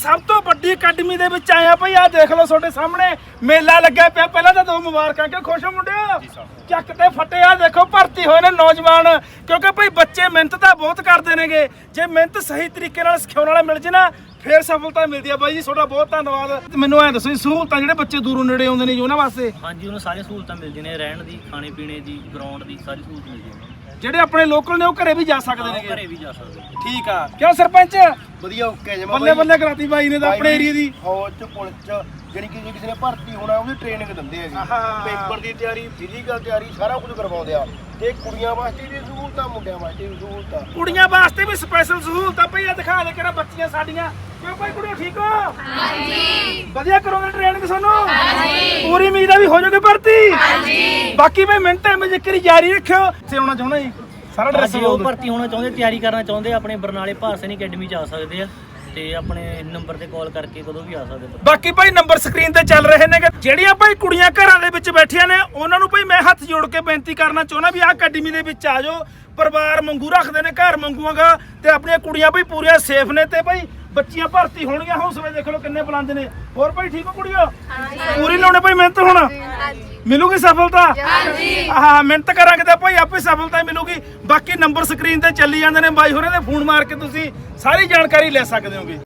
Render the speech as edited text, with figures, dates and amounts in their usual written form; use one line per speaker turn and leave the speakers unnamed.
ਸਭ ਤੋਂ ਵੱਡੀ ਅਕੈਡਮੀ ਦੇ ਵਿੱਚ ਆਏ ਆ ਭਾਈ। ਆਹ ਦੇਖ ਲਓ ਤੁਹਾਡੇ ਸਾਹਮਣੇ ਮੇਲਾ ਲੱਗਿਆ ਪਿਆ। ਪਹਿਲਾਂ ਤਾਂ ਦੋ ਮੁਬਾਰਕਾਂ, ਕਿ ਖੁਸ਼ ਹੋ ਮੁੰਡਿਓ? ਚੱਕ ਤੇ ਫੱਟੇ। ਆ ਦੇਖੋ ਭਰਤੀ ਹੋਏ ਨੇ ਨੌਜਵਾਨ, ਕਿਉਂਕਿ ਭਾਈ ਬੱਚੇ ਮਿਹਨਤ ਤਾਂ ਬਹੁਤ ਕਰਦੇ ਨੇਗੇ। ਜੇ ਮਿਹਨਤ ਸਹੀ ਤਰੀਕੇ ਨਾਲ ਸਿਖਾਉਣ ਵਾਲਾ ਮਿਲ ਜੇ ਨਾ ਫੇਰ ਸਫਲਤਾ ਮਿਲਦੀ ਆ। ਬਾਈ ਜੀ ਤੁਹਾਡਾ ਬਹੁਤ ਧੰਨਵਾਦ। ਮੈਨੂੰ ਐਂ ਦੱਸੋ ਸਹੂਲਤਾਂ ਜਿਹੜੇ ਬੱਚੇ ਦੂਰੋਂ ਨੇੜੇ ਆਉਂਦੇ ਨੇ ਜੀ ਉਹਨਾਂ ਵਾਸਤੇ?
ਹਾਂਜੀ, ਉਹਨਾਂ ਸਾਰੀਆਂ ਸਹੂਲਤਾਂ ਮਿਲਦੀਆਂ ਨੇ, ਰਹਿਣ ਦੀ, ਖਾਣੇ ਪੀਣੇ ਦੀ, ਗਰਾਊਂਡ ਦੀ, ਸਾਰੀ ਸਹੂਲਤ ਮਿਲਦੀ ਹੈ।
ਜਿਹੜੇ ਆਪਣੇ ਲੋਕਲ ਨੇ ਉਹ ਘਰੇ ਵੀ ਜਾ ਸਕਦੇ ਨੇ?
ਘਰੇ ਵੀ ਜਾ ਸਕਦੇ।
ਠੀਕ ਆ। ਕਿਉਂ ਸਰਪੰਚ?
ਵਧੀਆ ਓਕੇ ਜਮਾ
ਬੱਲੇ ਬੱਲੇ ਕਰਾਤੀ ਬਾਈ ਨੇ ਤਾਂ ਆਪਣੇ ਏਰੀਆ ਦੀ।
ਫੌਜ ਚ ਪੁਲਿਸ ਚ ਜਿਹੜੀ ਕਿ ਜੇ ਕਿਸੇ ਨੇ ਭਰਤੀ ਹੋਣਾ ਉਹਦੀ ਟ੍ਰੇਨਿੰਗ ਦਿੰਦੇ ਆ ਜੀ। ਪੇਪਰ ਦੀ ਤਿਆਰੀ, ਫਿਜ਼ੀਕਲ ਤਿਆਰੀ ਸਾਰਾ ਕੁਝ ਕਰਵਾਉਂਦੇ ਆ। ਤੇ ਕੁੜੀਆਂ ਵਾਸਤੇ ਵੀ ਸਹੂਲਤਾਂ, ਮੁੰਡਿਆਂ ਵਾਸਤੇ ਵੀ ਸਹੂਲਤਾਂ।
ਕੁੜੀਆਂ ਵਾਸਤੇ ਵੀ ਸਪੈਸ਼ਲ ਸਹੂਲਤਾਂ ਪਈ ਆ। ਦਿਖਾ ਦੇ ਕਿਹੜਾ ਬੱਚੀਆਂ ਸਾਡੀਆਂ। ਕਿਉਂ ਭਾਈ ਕੁੜੀਓ ਠੀਕ ਹੋ? ਹਾਂਜੀ। ਵਧੀਆ ਕਰੋਗੇ ਟ੍ਰੇਨਿੰਗ ਤੁਹਾਨੂੰ? ਹਾਂਜੀ। ਪੂਰੀ ਉਮੀਦ ਆ ਵੀ ਹੋ ਜਾਓਗੇ ਭਰਤੀ? ਹਾਂਜੀ। ਬਾਕੀ ਭਾਈ ਮਿੰਟ ਜ਼ਿਕਰੀ ਜਾਰੀ ਰੱਖਿਓ। ਇੱਥੇ ਆਉਣਾ ਚਾਹੁੰਦਾ ਜੀ ਸਾਰਾ ਡਰੈਸ
ਉਹ ਭਰਤੀ ਹੋਣਾ ਚਾਹੁੰਦੇ, ਤਿਆਰੀ ਕਰਨਾ ਚਾਹੁੰਦੇ, ਆਪਣੇ ਬਰਨਾਲੇ ਭਾਰ ਸੈਨਿਕ ਅਕੈਡਮੀ ਚ ਆ ਸਕਦੇ ਆ ਤੇ ਆਪਣੇ ਨੰਬਰ ਤੇ ਕਾਲ ਕਰਕੇ ਕਦੋਂ ਵੀ ਆ ਸਕਦੇ।
ਬਾਕੀ ਭਾਈ ਨੰਬਰ ਸਕਰੀਨ ਤੇ ਚੱਲ ਰਹੇ ਨੇ। ਜਿਹੜੀਆਂ ਭਾਈ ਕੁੜੀਆਂ ਘਰਾਂ ਦੇ ਵਿੱਚ ਬੈਠੀਆਂ ਨੇ ਉਹਨਾਂ ਨੂੰ ਭਾਈ ਮੈਂ ਹੱਥ ਜੋੜ ਕੇ ਬੇਨਤੀ ਕਰਨਾ ਚਾਹੁੰਦਾ ਵੀ ਆਹ ਅਕੈਡਮੀ ਦੇ ਵਿੱਚ ਆ ਜਾਓ। ਪਰਿਵਾਰ ਵਾਂਗੂ ਰੱਖਦੇ ਨੇ, ਘਰ ਵਾਂਗੂਗਾ। ਤੇ ਆਪਣੀਆਂ ਕੁੜੀਆਂ ਭਾਈ ਪੂਰੀਆਂ ਸੇਫ ਨੇ ਤੇ ਭਾਈ ਬੱਚੀਆਂ ਭਰਤੀ ਹੋਣਗੀਆਂ। ਹੌਸਲੇ ਦੇਖ ਲਓ ਕਿੰਨੇ ਬੁਲੰਦ ਨੇ। ਹੋਰ ਭਾਈ ਠੀਕ ਹੋ ਕੁੜੀਓ? ਪੂਰੀ ਲਾਉਣੇ ਭਾਈ ਮਿਹਨਤ ਹੁਣ ਮਿਲੂਗੀ ਸਫਲਤਾ। ਹਾਂ ਮਿਹਨਤ ਕਰਾਂਗੇ ਤਾਂ ਭਾਈ ਆਪੇ ਸਫਲਤਾ ਮਿਲੂਗੀ। ਬਾਕੀ ਨੰਬਰ ਸਕਰੀਨ ਤੇ ਚੱਲੀ ਜਾਂਦੇ ਨੇ, ਬਾਈ ਹੋਰਾਂ ਦੇ ਫੋਨ ਮਾਰ ਕੇ ਤੁਸੀਂ ਸਾਰੀ ਜਾਣਕਾਰੀ ਲੈ ਸਕਦੇ ਹੋਗੇ।